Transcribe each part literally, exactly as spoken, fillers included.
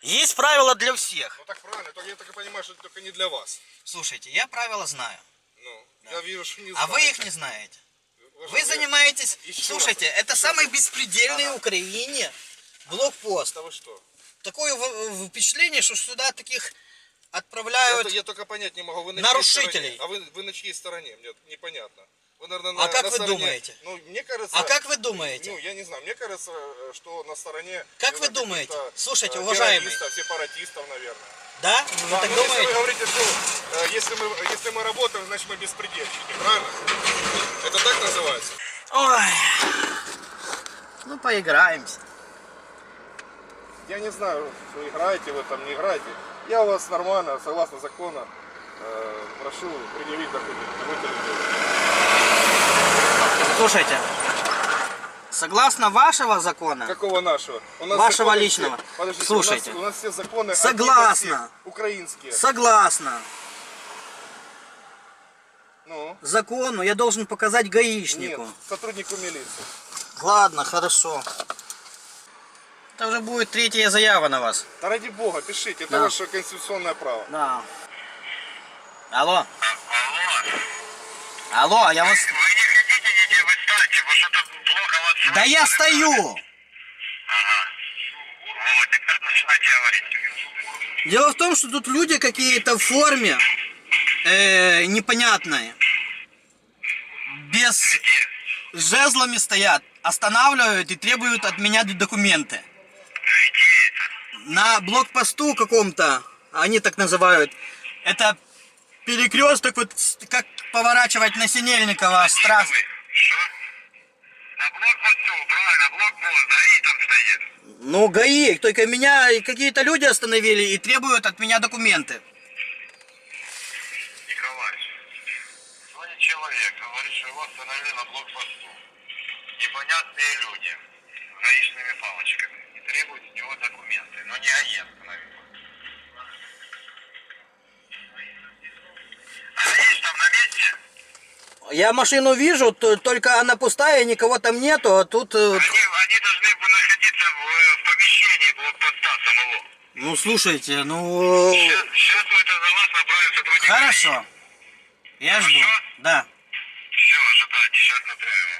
Есть правила для всех. Ну так правильно, только я так и понимаю, что это только не для вас. Слушайте, я правила знаю. Ну, да. Я вижу, что не А знаете. вы их не знаете. Вы, вы занимаетесь... Еще Слушайте, раз. это самый беспредельный ага. в Украине блокпост. Да вы что? Такое впечатление, что сюда таких отправляют я, я только понять не могу. Вы на нарушителей. А вы, вы на чьей стороне? Мне непонятно. Вы, наверное, а на, как на вы стороне... думаете? Ну, мне кажется... А как вы думаете? Ну, я не знаю. Мне кажется, что на стороне... Как вы думаете? Слушайте, э, уважаемый. Сепаратистов, наверное. Да? Вы да, так ну, думаете? если вы говорите, что э, если, мы, если мы работаем, значит мы беспредельщики, правильно? Это так называется? Ой. Ну, поиграемся. Я не знаю, что играете вы там, не играете. Я у вас нормально, согласно закону, э, прошу предъявить документы. Будьте любезны. Слушайте, согласно вашего закона... Какого нашего? У нас вашего личного. Все, подождите, слушайте. У нас, у нас все законы согласно. Украинские. Согласно. Ну? Закону я должен показать гаишнику. Нет, сотруднику милиции. Ладно, хорошо. Это уже будет третья заява на вас. Да ради бога, пишите, это да. ваше конституционное право. Да. Алло. Алло, Алло я вас... Вы не хотите нигде, вы станьте, вы что-то плохо вас слышно. Да я стою! Ага. Вот, теперь начинайте говорить. Дело в том, что тут люди какие-то в форме э, непонятные. Без... С жезлами стоят, останавливают и требуют от меня документы. На блокпосту каком-то, они так называют, это перекресток, вот как поворачивать на Синельникова. Страс... Что? На блокпосту, правильно, блокпост, ГАИ там стоит. Ну, ГАИ, только меня какие-то люди остановили и требуют от меня документы. Николай, звонит человек, говорит, что его остановили на блокпосту. Непонятные люди с гаишными палочками и требуют с него документы, но не ГАИ остановил. А ГАИ там на месте? Я машину вижу, только она пустая, никого там нету, а тут... Они, они должны бы находиться в, в помещении блокпоста самого. Ну, слушайте, ну... Сейчас, сейчас мы это за вас направим сотрудника. Хорошо. Я жду. Хорошо? Да. Все, ожидайте, сейчас направим.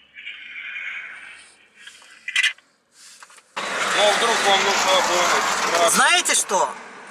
Ну а вдруг вам нужна помощь? Знаете что?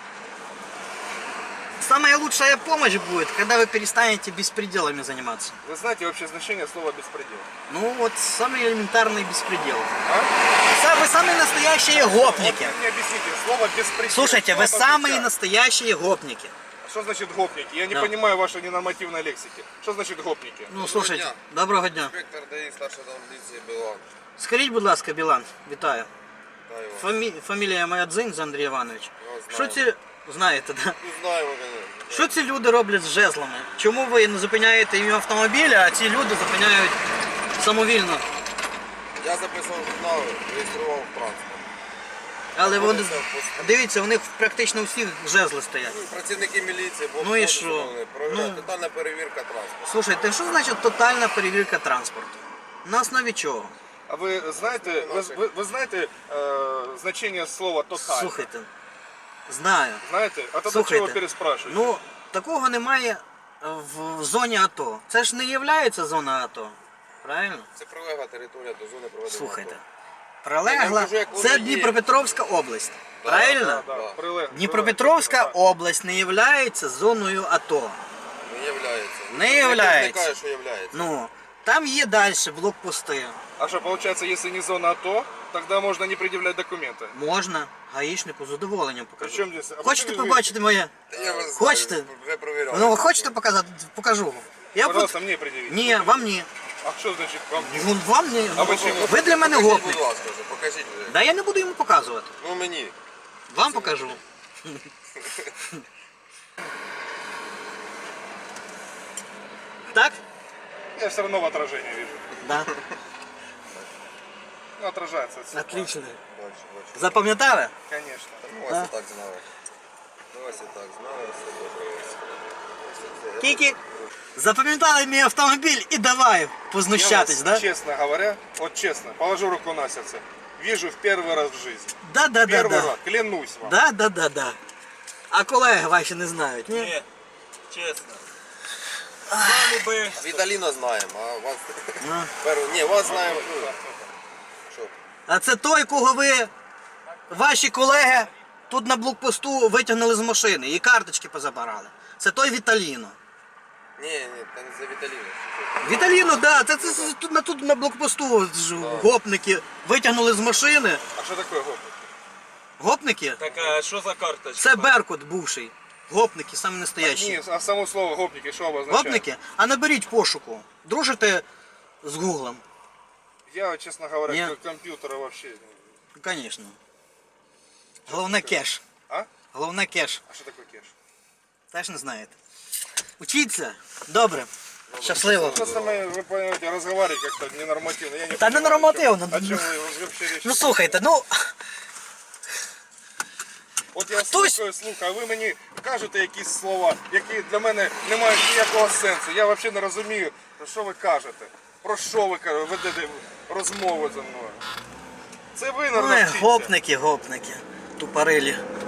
Самая лучшая помощь будет, когда вы перестанете беспределами заниматься. Вы знаете вообще значение слова беспредел? Ну вот, самый элементарный беспредел. А? Вы самые настоящие гопники. Вот вы мне объясните, слово беспредел. Слушайте, вы Слово самые объясняет. настоящие гопники. Что значит гопники? Я не Да. понимаю вашей ненормативной лексики. Что значит гопники? Ну, слушайте, доброго дня. Інспектор ДАІ, старший поліції Білан. Скажіть, будь ласка, Білан, вітаю. Знаю вас. Фамі... Фамілія моя Дзинз Андрій Іванович. Я Що знаю. ці... Знаєте, да? Ну, знаю, ви, конечно. Що ці люди роблять з жезлами? Чому ви не зупиняєте їм автомобілі, а ці люди зупиняють самовільно? Я записував журнал, реєстрував транспорт. Але вони... Знаходився в посту. Дивіться, у них практично у всіх жезли стоять. Ну, працівники міліції, бо Ну і що? Провіряють, Ну. тотальна перевірка транспорту. Слушайте, що значить тотальна перевірка транспорту? На основі чого? А ви знаєте, ви, ви, ви знаєте е, значення слова тоталь? Слухайте, знаю. Знаєте? А тоді Слухайте, чого переспрашуєте? Ну, такого немає в зоні АТО. Це ж не є зона АТО. Правильно? Це прилегла територія до зони проведення. Слухайте. АТО. Я Прилегла. вам кажу, як воно Це є. Дніпропетровська область. Да, Правильно? Да, да, Да. прилегло, Дніпропетровська прилегло. область не є зоною АТО. Не являється. Не Ніхто являється. не каже, що являється. Ну, там є далі блокпости. А что, получается, если не зона АТО, тогда можно не предъявлять документы? Можна гаїшнику з задоволенням покажу. Причем здесь? А Хочете почему вы- побачити моє? Та я вас Хочете? знаю, вже провіряв. Ну, хочете показати? Покажу. Я Пожалуйста, буду... мне предъявите. Ні, вам ні. А что значит вам? Ну, вам ні. А почему? Ви для мене Покажіть, гопник. будь ласка, вже, покажіть вже. Да я не буду йому показувати. Ну мені. Вам покажу. Так? Я все равно в отражении вижу. Да. Ну, отражается. от стекла. Отлично. Бачу, бачу. Запам'ятали? Конечно. Ну, вас і так знали. Ну, вас і так знали, все добре. Ось це. Тільки запам'ятали мій автомобіль і давай Я познущатись, вас, да? честно говоря, вот честно, положу руку на сердце. вижу в первый раз в жизни. Да, да, да, Первый да. раз, клянусь вам. Да, да, да, да. А колеги ваші не знають, ні? Ні, чесно. Знали би. Віталіна знаємо, а вас... Ну. Перу- Ні, вас знаємо. ну, Що? А це той, кого ви, ваші колеги, тут на блокпосту витягнули з машини і карточки позабирали. Це той Віталіно. Ні, ні, це не за Віталіну. Віталіно, да, це, це, це тут, на, тут на блокпосту ж гопники витягнули з машини. А что такое гопник? Гопники? Так, а що за карточка? Це Беркут бувший. Гопники, саме настоящі. Не, а само слово гопники что обозначает? Гопники? А наберіть пошуку. Дружите з Гуглом? Я, честно говоря, Не. к компьютера вообще... Звісно. Головне кеш. А? Головне кеш. А что такое кеш? Теж не знаєте. Учіться. Добре. Щасливо. Просто мы, вы понимаете, разговаривать как-то ненормативно. Я не Та не понимаю, нормативно. О чем вы вообще речь? Ну слухайте, ну От я Хтось- слухаю, слухаю, а ви мені кажете якісь слова, які для мене не мають ніякого сенсу. Я взагалі не розумію, про що ви кажете. Про що ви кажете, ведете розмову зі мною. Це ви, ой, наверное, гопники, гопники. Тупорилі.